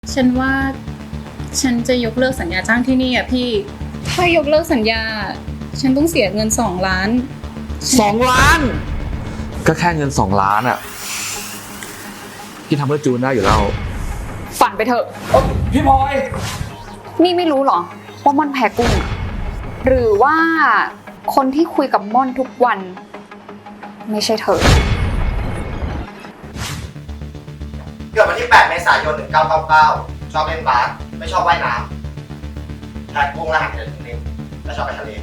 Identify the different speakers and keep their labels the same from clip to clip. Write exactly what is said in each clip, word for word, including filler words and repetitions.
Speaker 1: ฉันว่าฉันจะยกเลิกสัญญาจ้างที่นี่อ่ะพี่ถ้ายกเลิกสัญญาฉันต้องเสียเงินสองล้าน
Speaker 2: สองล้าน ก็แค่เงินสองล้านอ่ะพี่ทำเพื่อจูนได้อยู่แล้ว
Speaker 3: ฝันไปเถอะ
Speaker 2: พี่พลอย
Speaker 3: นี่ไม่รู้เหรอว่าม่อนแพ้กุ้งอะหรือว่าคนที่คุยกับม่อนทุกวัน ไม่ใช่เธอ
Speaker 4: เกิดวันที่แปดเมษายนหนึ่งเก้าเก้าเก้าชอบเล่นบาสไม่ชอบว่ายน้ำแท็กกุ้งรหัสเดือนหนึ่งและชอบไปทะเล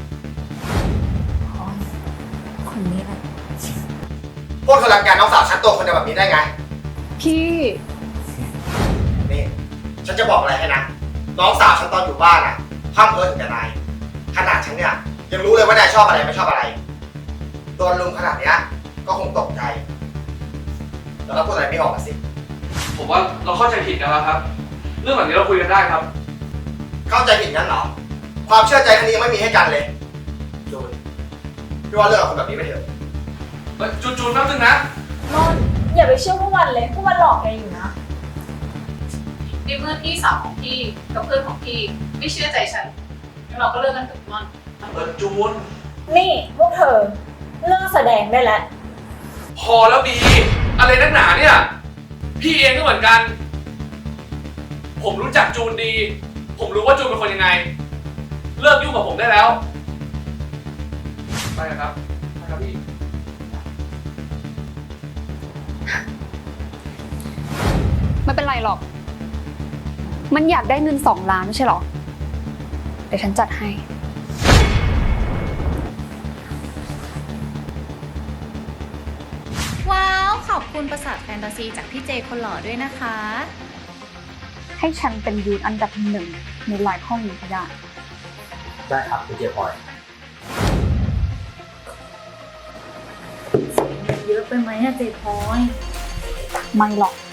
Speaker 5: คนนี้แหละ
Speaker 4: พวกเธอรังแกน้องสาวฉันตัวคนเดียวแบบนี้ได้ไง
Speaker 1: พี่
Speaker 4: นี่ ฉันจะบอกอะไรให้นะ น้องสาวฉันตอนอยู่บ้านอ่ะห้ามเพ้อถึงแต่นาย ขนาดฉันเนี่ยยังรู้เลยว่านายชอบอะไรไม่ชอบอะไรโดนลุมขนาดเนี้ยก็คงตกใจ แล้วก็พูดอะไรไม่ออกมาสิ
Speaker 2: ผมว่าเราเข้าใจผิดกันแล้วครับ เรื่องแบบนี้เราคุยกันได้ครับ
Speaker 4: เข้าใจผิดงั้นเหรอ ความเชื่อใจครั้งนี้ยังไม่มีให้กันเลย จูนพี่ว่าเลิกกับคนแบบนี้ไปเถอะ
Speaker 2: จูนจูนแป๊บนึงนะ
Speaker 5: ม่อนอย่าไปเชื่อพวกมันเลยพวกมันหลอกแกอยู่นะ
Speaker 1: ในเมื่อพี่สาวของพี่กับเพื่อนของพี่ไม่เชื่อใจฉันงั้นเราก็เลิกกันเถอะม่อน
Speaker 2: เออจูน
Speaker 5: นี่พวกเธอเลิกแสดงได้แล้ว
Speaker 2: พอแล้วบี อะไรนักหนาเนี่ย พี่เองก็เหมือนกัน ผมรู้จักจูนดี ผมรู้ว่าจูนเป็นคนยังไง เลิกยุ่งกับผมได้แล้ว ไปกันครับไปครับพี่
Speaker 3: ไม่เป็นไรหรอก มันอยากได้เงินสองล้านไม่ใช่หรอ เดี๋ยวฉันจัดให้
Speaker 6: ว้าวขอบคุณประสาทแฟนตาซีจากพี่เจคนหล่อด้วยนะคะ
Speaker 3: ให้ฉันเป็นยูนอันดับหนึ่งในไลน์ห้องนี้ก็ได้
Speaker 4: ได้ครับคุณเจพลอย
Speaker 5: เยอะไปไหมอะเจพลอย
Speaker 3: ไม่หรอก